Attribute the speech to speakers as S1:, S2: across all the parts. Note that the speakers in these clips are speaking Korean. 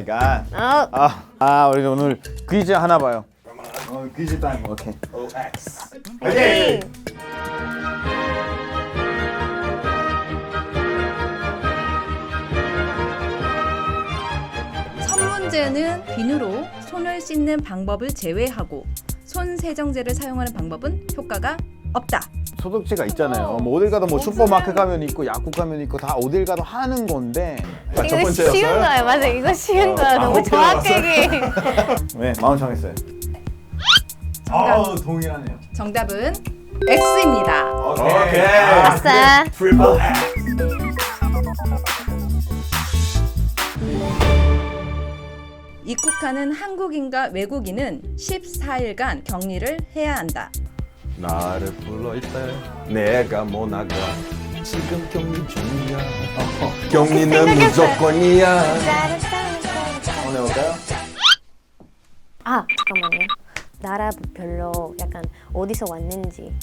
S1: 마이 갓. 우리 오늘 퀴즈 하나 봐요. 퀴즈 타임. 오케이. OX. 오케이.
S2: 첫 문제는 비누로 손을 씻는 방법을 제외하고 손 세정제를 사용하는 방법은 효과가 없다.
S1: 소독제가 있잖아요. 뭐 어딜 가도 뭐 슈퍼마켓 가면 있고 약국 가면 있고 다 어딜 가도 하는 건데.
S3: 이거 쉬운 거예요. 맞아, 이거 쉬운 거야. 너무 정확하게.
S1: 네, 마음 정했어요. 동일하네요.
S2: 정답은 X입니다.
S1: 오케이.
S3: 아싸.
S1: 트리플
S2: 입국하는 한국인과 외국인은 14일간 격리를 해야 한다.
S4: 나를 불러 이때 내가 못 나가 지금 격리 중이야 격리는 무조건이야
S1: 한번 해볼까요?
S3: 잠깐만요. 나라별로 약간 어디서 왔는지.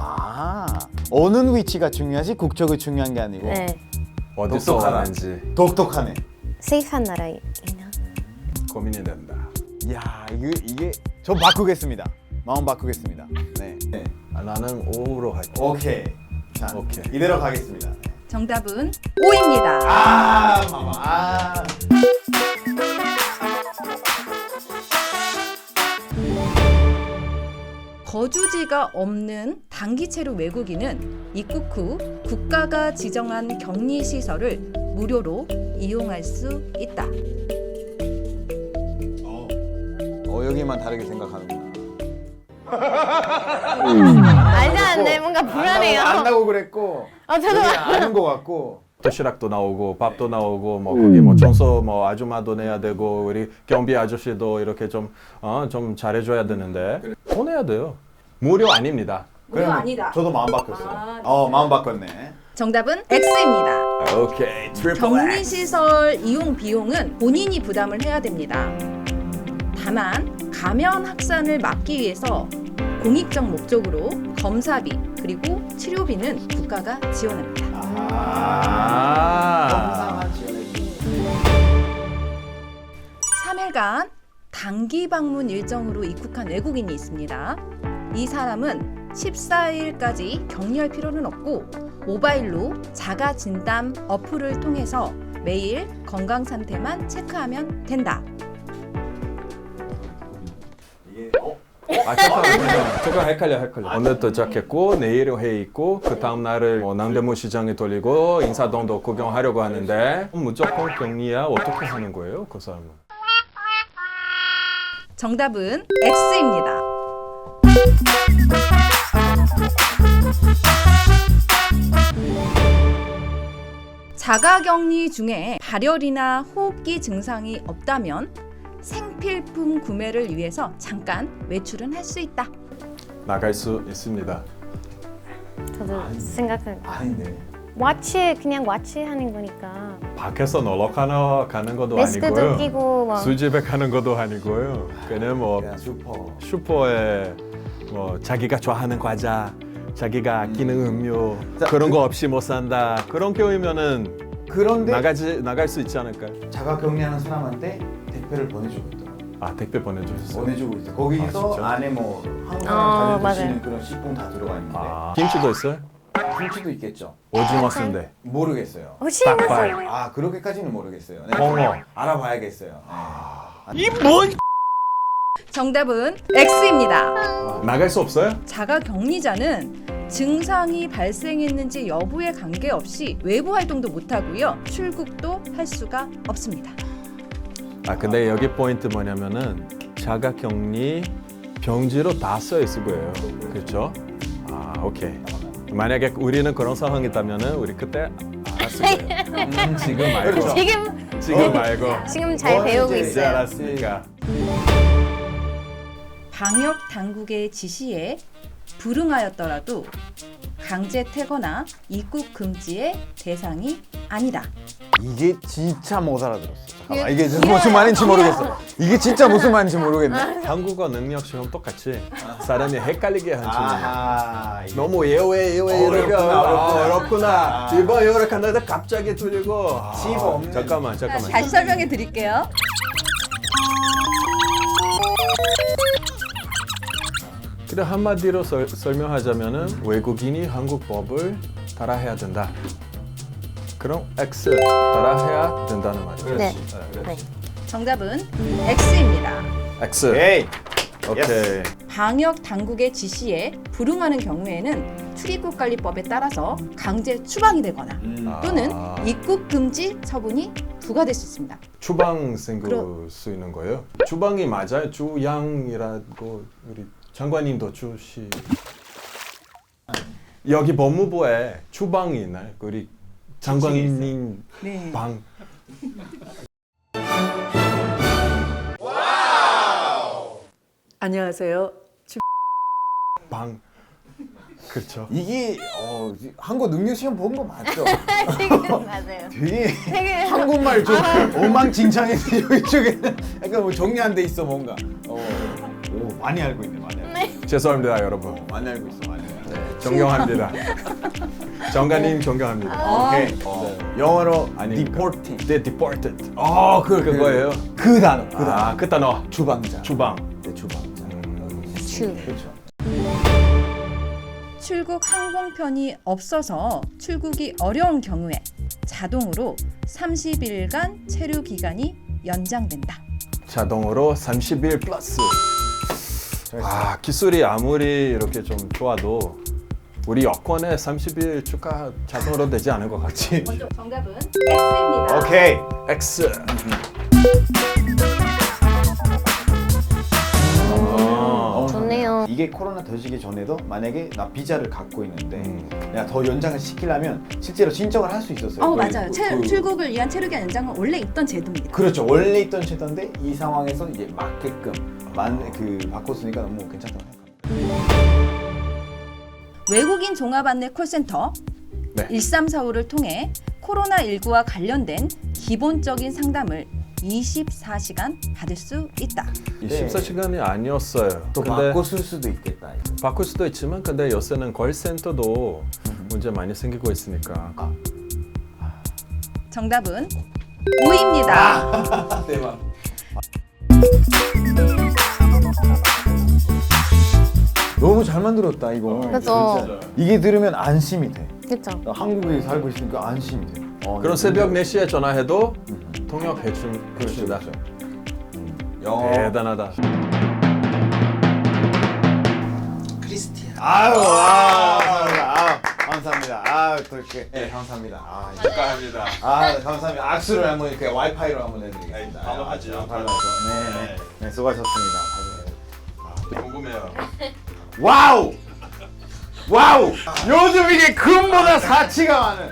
S1: 어느 위치가 중요하지 국적이 중요한 게 아니고.
S3: 네.
S4: 어디서
S1: 똑똑하다.
S4: 왔는지
S1: 독특하네.
S3: 세이프한 나라이나.
S4: 고민이 된다.
S1: 야, 이게 저 바꾸겠습니다. 마음 바꾸겠습니다. 네.
S4: 나는 O로 할게.
S1: 오케이. 자,
S4: 오케이.
S1: 이대로 가겠습니다.
S2: 정답은 O입니다.
S1: 마마.
S2: 거주지가 없는 단기체류 외국인은 입국 후 국가가 지정한 격리 시설을 무료로 이용할 수 있다.
S1: 여기만 다르게 생각하는구나.
S3: 말도 안 돼. 뭔가 불안해요.
S1: 안다고 그랬고.
S3: 저도
S1: 여기 아는 것 같고.
S4: 도시락도 나오고 밥도 나오고 뭐 거기 뭐 청소 뭐 아줌마도 내야 되고 우리 경비 아저씨도 이렇게 좀 잘해줘야 되는데 돈 내야 돼요. 무료 아닙니다.
S2: 무료 아니다.
S1: 저도 마음 바꿨어요. 마음 바꿨네.
S2: 정답은 X입니다.
S4: 오케이 트리플
S2: 격리 시설 이용 비용은 본인이 부담을 해야 됩니다. 다만 감염 확산을 막기 위해서 공익적 목적으로 검사비 그리고 치료비는 국가가 지원합니다.
S1: 영상만 지원해주는.
S2: 3일간 단기 방문 일정으로 입국한 외국인이 있습니다. 이 사람은 14일까지 격리할 필요는 없고 모바일로 자가 진단 어플을 통해서 매일 건강 상태만 체크하면 된다.
S4: 잠깐 헷갈려. 오늘 도착했고 내일 회의 있고 그 다음 날을 남대문 시장에 돌리고 인사동도 구경하려고 하는데 무조건 격리야 어떻게 하는 거예요 그 사람은?
S2: 정답은 X입니다. 자가격리 중에 발열이나 호흡기 증상이 없다면 생필품 구매를 위해서 잠깐 외출은 할 수 있다.
S4: 나갈 수 있습니다.
S3: 저도 생각한.
S1: 아닌데.
S3: 그냥 와치 하는 거니까.
S4: 밖에서 놀러 가는 것도
S3: 마스크도
S4: 아니고요.
S3: 끼고 막.
S4: 술집에 가는 것도 아니고요. 그냥 뭐
S1: 그냥 슈퍼.
S4: 슈퍼에 뭐 자기가 좋아하는 과자, 자기가 아끼는 음료
S1: 자,
S4: 그런 거 없이 못 산다. 그런 경우면은
S1: 그런데
S4: 나갈 수 있지 않을까요?
S1: 자가 격리하는 사람한테 택배를 보내주고 있다.
S4: 택배 보내주셨어요.
S1: 보내주고 있어. 거기서
S4: 진짜?
S1: 안에 뭐 한국
S3: 맞아요.
S1: 사람 드시는 그런 식품 다 들어가 있는데
S4: 김치도 있어요?
S1: 김치도 있겠죠.
S4: 오징어 순대.
S1: 모르겠어요.
S4: 닭발.
S1: 그렇게까지는 모르겠어요. 네,
S4: 홍어.
S1: 알아봐야겠어요.
S2: 정답은 X입니다.
S4: 나갈 수 없어요?
S2: 자가격리자는 증상이 발생했는지 여부에 관계없이 외부 활동도 못하고요. 출국도 할 수가 없습니다.
S4: 근데 여기 포인트 뭐냐면은 자가격리 병지로 다 써 있을 거예요. 그렇죠? 오케이. 만약에 우리는 그런 상황이 있다면은 우리 그때 알았을 거예요. 지금 말고. 지금 말고.
S3: 지금 잘 배우고
S1: 이제
S4: 이제
S3: 있어요.
S4: 알았으니까.
S2: 방역 당국의 지시에 불응하였더라도 강제 퇴거나 입국 금지의 대상이 아니다.
S1: 이게 진짜 못 알아들었어. 잠깐만, 이게 무슨 말인지 모르겠어. 이게 진짜 무슨 말인지 모르겠네.
S4: 한국어 능력 시험 똑같이 사람이 헷갈리게 한 질문.
S1: 이게
S4: 너무 예외
S1: 어렵구나,
S4: 이러니까
S1: 어렵구나.
S4: 어렵구나. 이번 이렇게 하는데 갑자기 틀리고.
S1: 집 없는.
S4: 잠깐만.
S2: 다시 설명해 드릴게요.
S4: 사실 한마디로 설명하자면은 외국인이 한국 법을 따라해야 된다. 그럼 X 따라해야 된다는 말이죠.
S3: 네. 네.
S2: 정답은 X입니다.
S4: X.
S1: 오케이.
S4: 오케이.
S2: 방역 당국의 지시에 불응하는 경우에는 출입국관리법에 따라서 강제 추방이 되거나 또는 입국 금지 처분이 부과될 수 있습니다.
S4: 추방 생길 수 있는 거예요? 추방이 맞아요? 주양이라고 우리 장관님도 주시. 여기 법무부에 추방이 있나요? 우리 장관님
S2: 네.
S4: 방.
S5: 안녕하세요.
S4: 방. 그렇죠.
S1: 이게 한국 능력 시험 본 거 맞죠?
S3: 맞아요.
S1: 되게
S3: 되게
S1: 한국말 좀 엉망진창인데 이쪽에는 약간 뭐 정리 안 돼 있어 뭔가. 오, 많이 알고 있네, 많이 알고. 있네.
S4: 죄송합니다, 여러분.
S1: 많이 알고 있어, 많이 알고. 있어.
S4: 존경합니다. 장관님 존경합니다.
S1: 오케이. 영어로
S4: 아니,
S1: deported.
S4: 네, deported.
S1: 그거예요.
S4: 그거예요.
S1: 그 단어. 그 단어.
S4: 아, 그 단어.
S1: 주방장.
S4: 주방.
S1: 네, 주방장.
S3: 주.
S1: 그렇죠.
S2: 출국 항공편이 없어서 출국이 어려운 경우에 자동으로 30일간 체류 기간이 연장된다.
S4: 자동으로 30일 플러스. 아, 기술이 아무리 이렇게 좀 좋아도 우리 여권에 30일 추가 자동으로 되지 않은 것 같지?
S2: 정답은 X입니다.
S1: 오케이.
S4: X.
S3: 좋네요.
S1: 이게 코로나 터지기 전에도 만약에 나 비자를 갖고 있는데 내가 더 연장을 시키려면 실제로 신청을 할 수 있었어요. 거의
S2: 맞아요. 출국을 위한 체류기간 연장은 원래 있던 제도입니다.
S1: 그렇죠. 원래 있던 제도인데 이 상황에서 이제 맞게끔 바꿨으니까 너무 괜찮다고 생각합니다.
S2: 외국인 종합 안내 콜센터
S4: 네.
S2: 1345를 통해 코로나19와 관련된 기본적인 상담을 24시간 받을 수 있다.
S4: 24시간이 아니었어요.
S1: 또
S4: 근데
S1: 바꿨을 수도 있겠다. 이거.
S4: 바꿀 수도 있지만 근데 요새는 콜센터도 문제 많이 생기고 있으니까.
S2: 정답은 O입니다.
S1: 대박. 너무 잘 만들었다 이거.
S3: 그죠.
S1: 진짜. 이게 들으면 안심이 돼.
S3: 그렇죠.
S1: 나 한국에 살고 있으니까 안심이 돼.
S4: 그럼 새벽 4시에 전화해도 통역해 줍니다.
S1: 영어.
S4: 대단하다.
S1: 아유, 감사합니다. 또 이렇게. 네, 감사합니다.
S4: 축하합니다.
S1: 감사합니다. 악수를 한번 이렇게 와이파이로 한번 해드리겠습니다.
S4: 바로 하죠.
S1: 바로 하죠. 네, 수고하셨습니다.
S4: 궁금해요.
S1: 와우! 요즘 이게 금보다 가치가 많은.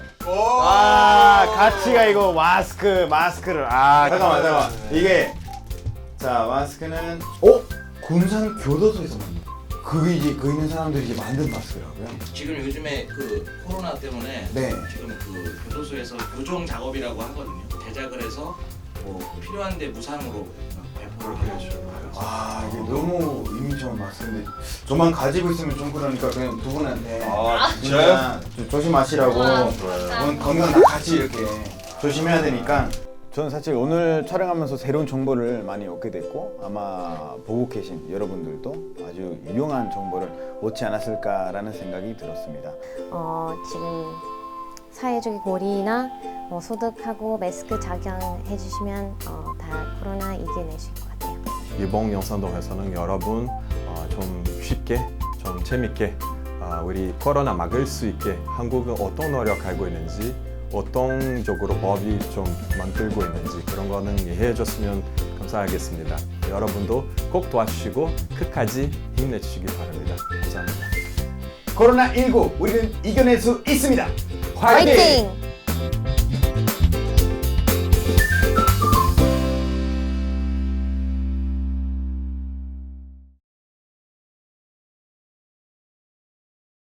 S1: 가치가 이거 마스크를. 잠깐만. 이게 자 마스크는 군산 교도소에서 만든. 그게 이제 그 있는 사람들이 이제 만든 마스크라고요?
S6: 지금 요즘에 그 코로나 때문에
S1: 네.
S6: 지금 그 교도소에서 교정 작업이라고 하거든요. 제작을 해서 뭐 필요한데 무상으로 배포를 해주고.
S1: 이게 너무 의미 좋은 마스크인데 저만 가지고 있으면 좀 그러니까 그냥 두 분한테 진짜 조심하시라고 건강 다 같이 이렇게 조심해야 되니까 저는 사실 오늘 촬영하면서 새로운 정보를 많이 얻게 됐고 아마 보고 계신 여러분들도 아주 유용한 정보를 얻지 않았을까라는 생각이 들었습니다.
S3: 지금 사회적인 거리나 소독하고 마스크 착용해 주시면 다 코로나 이겨내실 것 같아요.
S4: 이번 영상 통해서는 여러분 좀 쉽게, 좀 재밌게 우리 코로나 막을 수 있게 한국은 어떤 노력하고 있는지 어떤 쪽으로 법이 좀 만들고 있는지 그런 거는 이해해 줬으면 감사하겠습니다. 여러분도 꼭 도와주시고 끝까지 힘내주시기 바랍니다. 감사합니다.
S1: 코로나19 우리는 이겨낼 수 있습니다.
S3: 화이팅!